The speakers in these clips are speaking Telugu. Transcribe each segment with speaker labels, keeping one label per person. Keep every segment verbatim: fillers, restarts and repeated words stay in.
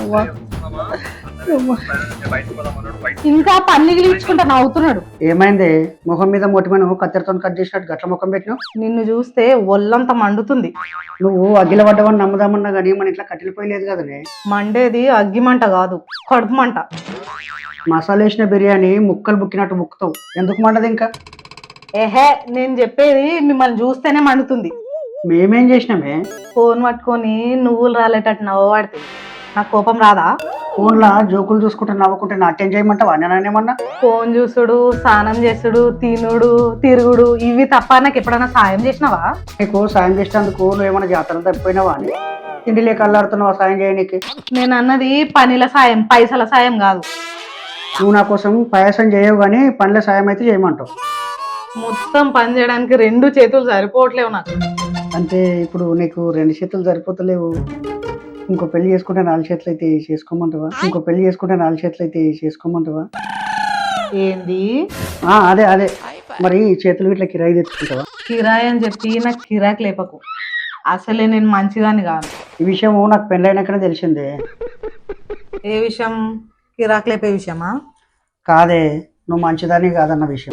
Speaker 1: ఇంకా పన్ని గిలిపించుకుంటా నవ్వుతున్నాడు.
Speaker 2: ఏమైంది? ముఖం మీద మొటిమను కత్తెరతో కట్ చేసినట్టు గట్ల ముఖం పెట్టినావు.
Speaker 1: నిన్ను చూస్తే ఒళ్ళంతా మండుతుంది.
Speaker 2: నువ్వు అగ్గిల పడ్డవని నమ్ముదామన్నా కానీ మన ఇట్లా కట్టెలిపోయలేదు కదనే.
Speaker 1: మండేది అగ్గి మంట కాదు, కడుపు మంట.
Speaker 2: మసాలా వేసిన బిర్యానీ ముక్కలు బుక్కినట్టు ముక్కుతావు, ఎందుకు మండదు ఇంకా?
Speaker 1: ఏహే, నేను చెప్పేది మిమ్మల్ని చూస్తేనే మండుతుంది.
Speaker 2: మేమేం చేసినామే?
Speaker 1: ఫోన్ పట్టుకొని నువ్వులు రాలేటట్టు నవ్వబడితే నాకు కోపం రాదా?
Speaker 2: ఫోన్లా జోకులు చూసుకుంటే నవ్వుకుంటే నాట్యం చేయమంటావా? నేనేమన్నా?
Speaker 1: ఫోన్ చూసుడు, స్నానం చేసుడు, తినుడు, తిరుగుడు ఇవి తప్ప నాకు ఎప్పుడైనా సాయం చేసినావా?
Speaker 2: నీకు సాయం చేసినందుకు నువ్వు ఏమైనా జాతరలు తప్పిపోయినావా అని తిండి లేక అల్లాడుతున్నావా సాయం చేయడానికి?
Speaker 1: నేను అన్నది పనిల సాయం, పైసల సాయం కాదు.
Speaker 2: నువ్వు నా కోసం పాయసం చేయవు కానీ పనుల సాయం అయితే చేయమంటావు.
Speaker 1: మొత్తం పని చేయడానికి రెండు చేతులు సరిపోవట్లేవు నాకు.
Speaker 2: అంటే ఇప్పుడు నీకు రెండు చేతులు సరిపోతలేవు, ఇంకో పెళ్లి చేసుకుంటే నాలుగు చేతులు అయితే చేసుకోమంటావా? ఇంకో పెళ్లి చేసుకుంటే నాలుగు చేతులు అయితే చేసుకోమంటావా?
Speaker 1: ఏంది?
Speaker 2: ఆ అదే అదే మరి చేతులు ఇట్లా కిరాయి తెచ్చుకుంటావా?
Speaker 1: కిరాయి అని చెప్పి నాకు కిరాకి లేపకు. అసలే నేను మంచిదాన్ని కాను.
Speaker 2: ఈ విషయం నాకు పెళ్ళైనాకనే తెలిసిందే.
Speaker 1: ఏ విషయం? కిరాకి లేపే విషయమా?
Speaker 2: కాదే, నువ్వు మంచిదాన్ని కాదన్న విషయం.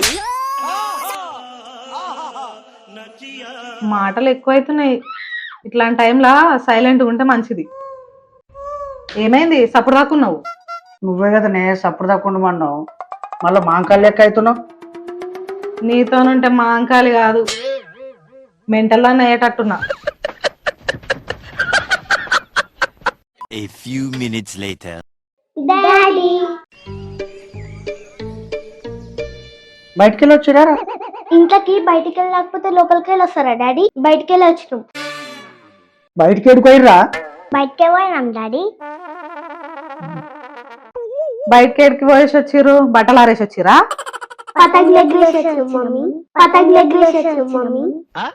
Speaker 1: మాటలు ఎక్కువైతున్నాయి. ఇట్లాంటి టైంలో సైలెంట్గా ఉంటే మంచిది. ఏమైంది సప్పుడు దాక్కున్నావు?
Speaker 2: నువ్వే కదనే సప్పుడు దాక్కుండా మన్నావు, మళ్ళీ మాంకాలు లెక్క అవుతున్నావు.
Speaker 1: నీతోనుంటే మా అంకాలి కాదు, మెంటల్లా అయ్యేటట్టున్నా.
Speaker 3: A few minutes later.
Speaker 4: Daddy
Speaker 2: బయటికి వెళ్ళి వచ్చిరా?
Speaker 4: ఇంట్లోకి బయటికి వెళ్ళకపోతే లోపలికి వెళ్ళి వస్తారా డాడీ? బయటికి వెళ్ళి వచ్చినాం.
Speaker 2: బయటికి ఎడుకోయిర్రా?
Speaker 4: బయటకే పోయినాం డాడీ.
Speaker 1: బయటకి ఎడికి పోయేసి వచ్చిర్రు? బట్టలు ఆరేసి వచ్చిరా?
Speaker 4: పతంగులు ఎగరేసేసాం మమ్మీ, పతంగులు ఎగరేసేసాం మమ్మీ.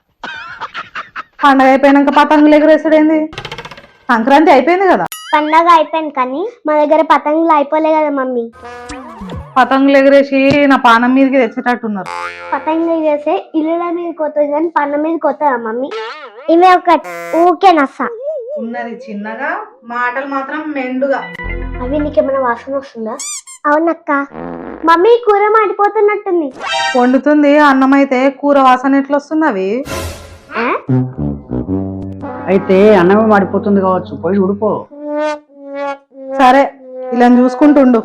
Speaker 1: పండగ అయిపోయినాక పతంగులు ఎగరేసాడేంది? సంక్రాంతి అయిపోయింది కదా.
Speaker 4: పండగ అయిపోయింది కానీ మా దగ్గర పతంగులు అయిపోలే కదా మమ్మీ.
Speaker 1: పతంగులు ఎగరేసి నా పానం మీదకి తెచ్చేటట్టున్నారు.
Speaker 4: పతంగులు ఎగరేస్తే ఇల్లుల మీద కొత్తది కానీ పన్న మీద కొత్తదా మమ్మీ? ఇవే ఒక ఊకే నస్స
Speaker 1: ఉన్నది చిన్నగా, మాటలు మాత్రం మెండుగా.
Speaker 4: అవి నీకేమైనా వాసన వస్తుందా? అవునక్క. మమ్మీ కూర మాడిపోతున్నట్టుంది.
Speaker 1: వండుతుంది అన్నం అయితే కూర వాసన ఎట్లా వస్తుంది? అవి
Speaker 4: ఆ?
Speaker 2: అయితే అన్నమే మాడిపోతుంది కావచ్చు, పోయి ఉడిపో.
Speaker 1: సరే, ఇలా చూసుకుంటుండు.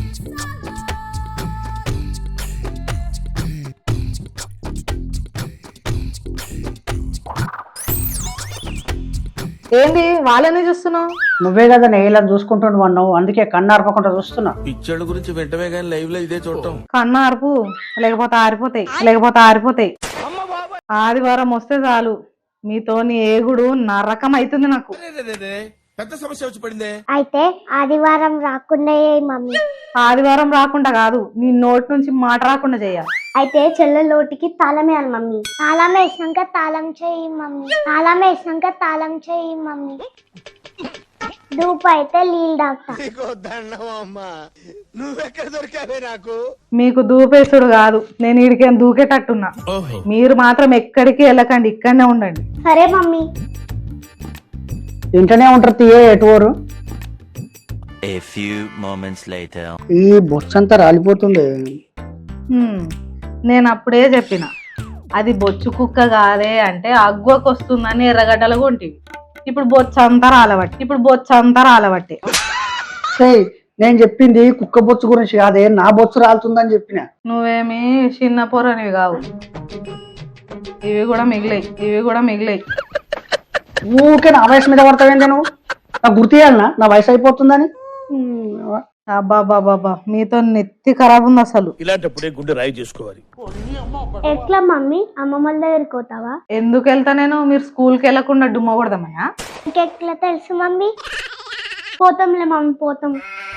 Speaker 1: ఏంది వాళ్ళని చూస్తున్నావు?
Speaker 2: నువ్వే కదా ఇలా చూసుకుంటుండు అన్నావు, అందుకే కన్ను ఆర్పకుండా చూస్తున్నా.
Speaker 5: పిక్చర్ల గురించి వెంటనే కానీ లైవ్ లో ఇదే చూడటం.
Speaker 1: కన్నా అరుపు, లేకపోతే ఆరిపోతాయి, లేకపోతే ఆరిపోతాయి. ఆదివారం వస్తే చాలు మీతోని ఏగుడు నరకం అవుతుంది నాకు.
Speaker 5: పెద్ద సమస్య వచ్చి పడిందే.
Speaker 4: అయితే ఆదివారం రాకుండా మమ్మీ.
Speaker 1: ఆదివారం రాకుండా కాదు, నీ నోటి నుంచి మాట రాకుండా చేయాలి.
Speaker 4: అయితే చెల్లె లోటికి తాళం వేయాలి మమ్మీ. తాళం వేసినాక తాళం చేయి మమ్మీ. తాళం వేసినాక తాళం చేయి మమ్మీ. దూపు అయితే నీళ్ళు డాక్తా.
Speaker 5: నువ్వెక్కడ దొరికావే నాకు?
Speaker 1: మీకు దూపేసుడు కాదు, నేను ఈడికేం దూకేటట్టున్నా. మీరు మాత్రం ఎక్కడికి వెళ్ళకండి, ఇక్కడనే ఉండండి.
Speaker 4: సరే మమ్మీ.
Speaker 2: ఇంటనే ఉంటారు తీయే ఎటువరు.
Speaker 3: A few moments later.
Speaker 2: ఈ బొచ్చు అంతా రాలిపోతుంది.
Speaker 1: హ్మ్, నేను అప్పుడే చెప్పిన అది బొచ్చు కుక్క కాదే అంటే అగ్గువకు వస్తుందని ఎర్రగడ్డలు కొంటివి. ఇప్పుడు బొచ్చు అంతా రాలబట్టి ఇప్పుడు బొచ్చు అంతా రాలబట్టి
Speaker 2: ఏయ్, నేను చెప్పింది కుక్క బొచ్చు గురించి కాదే, నా బొచ్చు రాలుతుందని చెప్పిన.
Speaker 1: నువ్వేమి చిన్న పొరనివి కావు. ఇవి కూడా మిగిలాయి, ఇవి కూడా మిగిలాయి.
Speaker 2: ఊకే నా వయసు మీద పడతావేంది నువ్వు? నాకు గుర్తు చేయాలనా నా వయసు అయిపోతుందని?
Speaker 1: అబ్బాబాబాబా, మీతో నెత్తి ఖరాబ్ ఉంది అసలు.
Speaker 5: ఇలాంటప్పుడే గుండె రాయి చేసుకోవాలి.
Speaker 4: ఎట్లా మమ్మీ? అమ్మమ్మల దగ్గరికి పోతావా?
Speaker 1: ఎందుకు వెళ్తా నేను? మీరు స్కూల్కి వెళ్ళకుండా డుమ్మ కొడదామయ్యా?
Speaker 4: ఇంకెట్లా తెలుసు మమ్మీ? పోతాంలే మమ్మీ, పోతాం.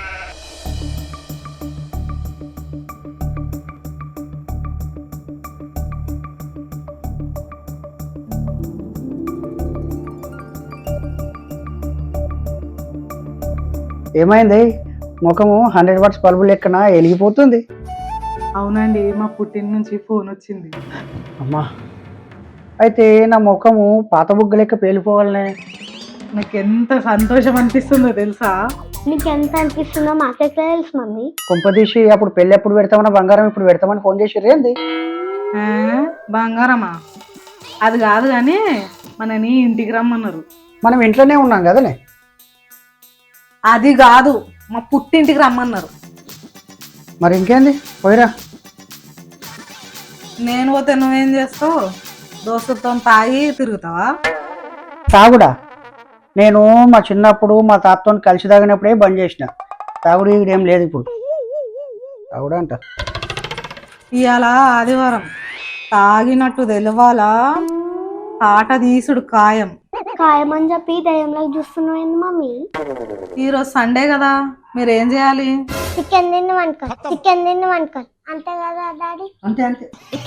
Speaker 2: ఏమైంది? ముఖము హండ్రెడ్ వాట్స్ బల్బు లెక్కన వెలిగిపోతుంది.
Speaker 1: అవునండి, మా పుట్టిన నుంచి ఫోన్ వచ్చింది.
Speaker 2: అమ్మా, అయితే నా ముఖము పాత బుగ్గ లెక్క పేలిపోవాలనే.
Speaker 1: నాకు ఎంత సంతోషం అనిపిస్తుందో తెలుసా?
Speaker 4: నీకు ఎంత అనిపిస్తుందో మాకెట్లా తెలుసు మమ్మీ?
Speaker 2: కొంపదీసి అప్పుడు పెళ్ళి ఎప్పుడు పెడతామన్నా బంగారం ఇప్పుడు పెడతామని ఫోన్ చేసి ఏంది
Speaker 1: ఆ, బంగారమా? అది కాదు కానీ మనని ఇంటికి రమ్మన్నారు.
Speaker 2: మనం ఇంట్లోనే ఉన్నాం కదనే.
Speaker 1: అది కాదు, మా పుట్టింటికి రమ్మన్నారు.
Speaker 2: మరి ఇంకేంది పోయిరా.
Speaker 1: నేను పోతే నువ్వేం చేస్తావు? దోస్తులతో తాగి తిరుగుతావా?
Speaker 2: తాగుడా? నేను మా చిన్నప్పుడు మా తాతతో కలిసి తాగినప్పుడే బంద్ చేసిన. తాగుడు ఇక్కడ ఏం లేదు ఇప్పుడు. తాగుడా అంట.
Speaker 1: ఇవాళ ఆదివారం, తాగినట్టు తెలవాలా, తాట తీసుడు ఖాయం.
Speaker 4: ఖాయమని చెప్పి దయ్యంలోకి చూస్తున్నావు ఏంది మమ్మీ?
Speaker 1: ఈరోజు సండే కదా, మీరు ఏం చేయాలి?
Speaker 4: చికెన్ తిన్ను అనుకో, చికెన్ తిన్ను అనుకో, అంతే కదా డాడీ?
Speaker 2: అంతే అంతే.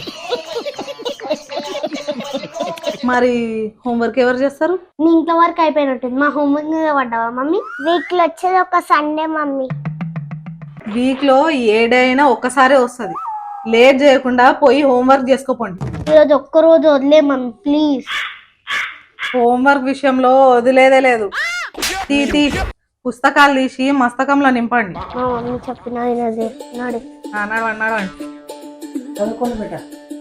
Speaker 1: మరి హోంవర్క్ ఎవరు చేస్తారు?
Speaker 4: నీ ఇంట్లో వర్క్ అయిపోయినట్టుంది. మా హోంవర్క్ మీద పడ్డావా మమ్మీ? వీక్ లో వచ్చేది ఒక సండే మమ్మీ.
Speaker 1: వీక్ లో ఏ డే అయినా ఒక్కసారే వస్తుంది. లేట్ చేయకుండా పోయి హోంవర్క్ చేసుకోపోండి.
Speaker 4: ఈరోజు ఒక్క రోజు వదిలే మమ్మీ ప్లీజ్.
Speaker 1: హోంవర్క్ విషయంలో వదిలేదే లేదు. తీ తీ పుస్తకాలు తీసి మస్తకంలో నింపండి.
Speaker 4: మా మమ్మీ చెప్పిన వినదే నాడు.
Speaker 1: అన్నాడు అన్నాడు అంటే
Speaker 2: చదువుకోండి బేట.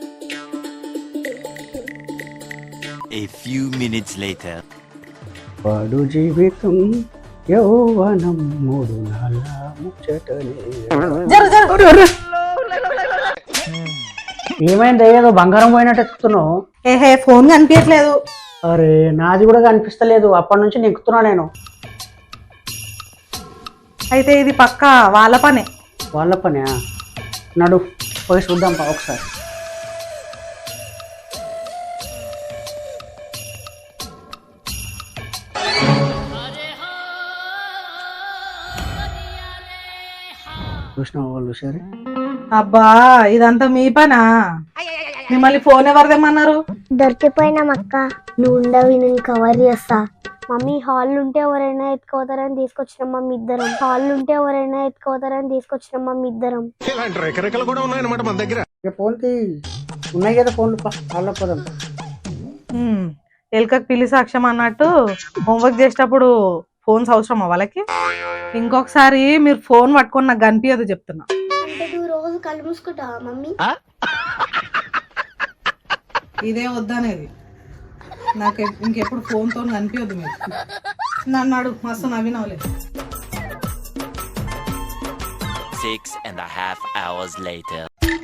Speaker 3: A few minutes later.
Speaker 2: వాడు జీవితం యౌవనం మూడు నాళ్ళ ముచ్చటనే.
Speaker 1: జరు జరు.
Speaker 2: ఏమైంది? ఏదో బంగారం పోయినట్టు ఎక్కుతున్నావు.
Speaker 1: ఏహే, ఫోన్ కనిపించట్లేదు.
Speaker 2: అరే నాది కూడా కనిపిస్తలేదు. అప్పటి నుంచి నెక్కుతున్నా నేను.
Speaker 1: అయితే ఇది పక్క వాళ్ళ పనే.
Speaker 2: వాళ్ళ పనే. నడు పోయి చూద్దాం పా ఒకసారి. చూసిన వాళ్ళు సరే.
Speaker 1: అబ్బా, ఇదంతా మీ పనా? మిమ్మల్ని ఫోన్ ఎవరు తెమ్మన్నారు?
Speaker 4: దొరికిపోయినాం అక్క. నువ్వు ఉండవి, నేను కవర్ చేస్తా. మమ్మీ హాల్ ఉంటే ఎవరైనా ఎత్తుకోతారని తీసుకొచ్చినాం మమ్మీ ఇద్దరం. హాల్ ఉంటే ఎవరైనా ఎత్తుకోతారని తీసుకొచ్చినాం మమ్మీ ఇద్దరం.
Speaker 5: ఇలాంటి రకరకాలు కూడా ఉన్నాయన్నమాట మన దగ్గర.
Speaker 2: ఇక ఫోన్ తీ. ఉన్నాయి కదా ఫోన్లు పా, వాళ్ళ పదం.
Speaker 1: హ్మ్, ఎలుకకు పిల్లి సాక్ష్యం అన్నట్టు హోంవర్క్ చేసేటప్పుడు ఫోన్స్ అవసరమా వాళ్ళకి? ఇంకొకసారి మీరు ఫోన్ పట్టుకొని నాకు కనిపించదు చెప్తున్నా.
Speaker 4: అంటే నువ్వు రోజు కళ్ళు మూసుకుంటావా మమ్మీ?
Speaker 1: ఇదే వద్దనేది. నాకు ఎప్- ఇంకెప్పుడు ఫోన్ తో కనిపించదు మీరు. నన్ను అడుగు, మస్తు నవ్వినవలేదు.
Speaker 3: Six and a half hours later.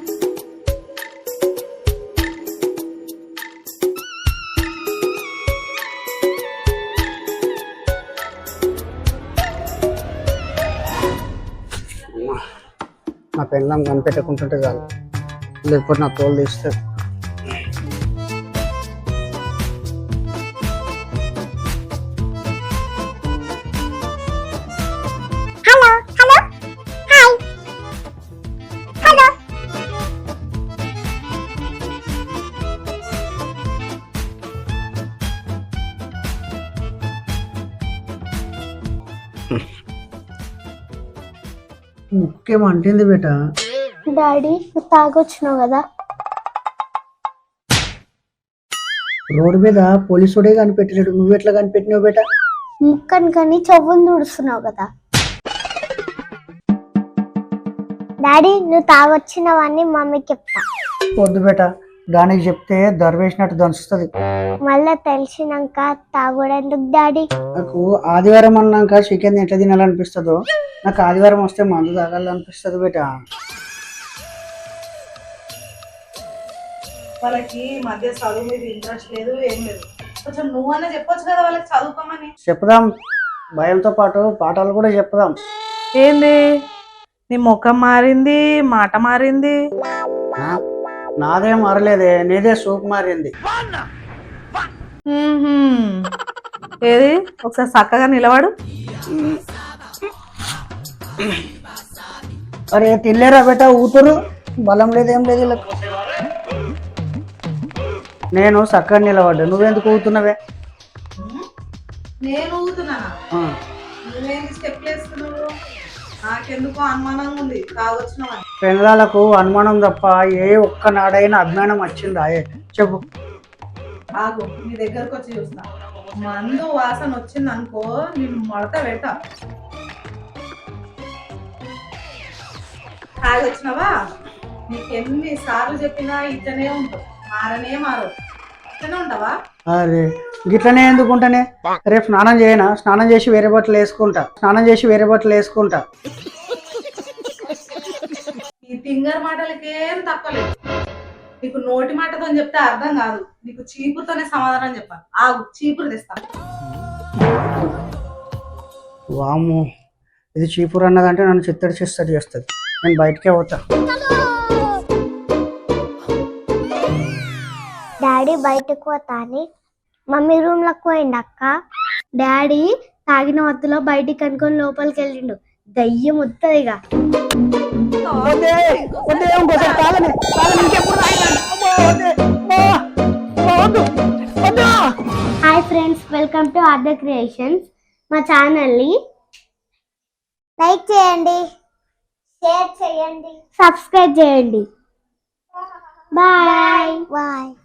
Speaker 2: నా పెళ్ళం కనిపెట్టకుంటుంటే చాలు, లేకపోతే నా తోలు తీస్తే.
Speaker 4: Hello hello hi hello.
Speaker 2: ముఖ్యం అంటుంది బేట.
Speaker 4: డాడీ నువ్వు తాగొచ్చినావు కదా.
Speaker 2: రోడ్డు మీద పోలీసుడే కనిపెట్టినాడు, నువ్వు ఎట్లా కనిపెట్టినావు బేట?
Speaker 4: ముక్కని కానీ చెవులు తుడుస్తున్నావు కదా. డాడీ నువ్వు తాగొచ్చినవన్నీ మమ్మీకి చెప్తా.
Speaker 2: వద్దు బేట, దానికి చెప్తే దర్వేసినట్టు దంచుతుంది.
Speaker 4: మళ్ళా తెలిసినాక తాగొడెందుకు డాడీ?
Speaker 2: నాకు ఆదివారం అన్నాక చికెన్ ఎట్లా తినాలనిపిస్తుందో నాకు ఆదివారం వస్తే మందు తాగాలనిపిస్తుంది బేట.
Speaker 1: వాళ్ళకి మధ్య చదువు మీద ఇంట్రెస్ట్ లేదు, ఏం లేదు. కొంచెం నువ్వన్నా చెప్పొచ్చు కదా వాళ్ళకి చదువుకోమని.
Speaker 2: చెప్దాం, భయంతో పాటు పాఠాలు కూడా చెప్దాం.
Speaker 1: ఏంది నీ ముఖం మారింది, మాట మారింది.
Speaker 2: ఆ, నాదే మారలేదే, నీదే సూప్ మారింది.
Speaker 1: మ్మ్హ్మ్. ఏది ఒకసారి చక్కగా నిలబడు.
Speaker 2: అరే తినలేరా బేట, ఊతురు బలం లేదేం లేదు వీళ్ళకు. నేను చక్కగా నిలబడ్డా, నువ్వెందుకు ఊతున్నావే?
Speaker 1: నేను ఊగుతున్నానా?
Speaker 2: ఆ,
Speaker 1: నువ్వేంటి స్టెప్ వేస్తున్నావు? నాకెందుకో అనుమానంగా ఉంది తాగొచ్చినావని.
Speaker 2: పెళ్ళాలకు అనుమానం తప్ప ఏ ఒక్క నాడైనా అభిమానం వచ్చిందా? ఏ చెప్పు.
Speaker 1: ఆగు, నీ దగ్గరకు వచ్చి చూస్తా. మందు వాసన వచ్చింది అనుకో, నేను మడత పెట్ట. తాగి వచ్చినావా? నీకు ఎన్ని సార్లు చెప్పినా ఇట్లనే ఉంటావు, మారనే మారవు. ఇట్లనే ఉంటావా?
Speaker 2: అరే గిట్లనే ఎందుకుంటానే, రేపు స్నానం చేయనా? స్నానం చేసి వేరే బట్టలు వేసుకుంటా, స్నానం చేసి వేరే బట్టలు వేసుకుంటా.
Speaker 1: ఈ తింగర్ మాటలకేం తప్పలేదు. నీకు నోటి మాటతో చెప్తే అర్థం కాదు, నీకు చీపురుతోనే సమాధానం చెప్పాలి. ఆగు, చీపురు తెస్తా.
Speaker 2: వాము, ఇది చీపురు అన్నదంటే నన్ను చిత్తడి చిత్తడి చేస్తుంది. నేను బయటకే పోతా.
Speaker 4: డాడీ బయటకు పోతాని మమ్మీ రూమ్ లకు పోయింది అక్క. డాడీ తాగిన మత్తులో బయటికి అనుకొని లోపలికి వెళ్ళిండు. దయ్యం వస్తుంది ఇక. Hi friends, welcome to other creations. మా ఛానల్ని లైక్ చేయండి, షేర్ చేయండి, సబ్స్క్రైబ్ చేయండి. Bye bye.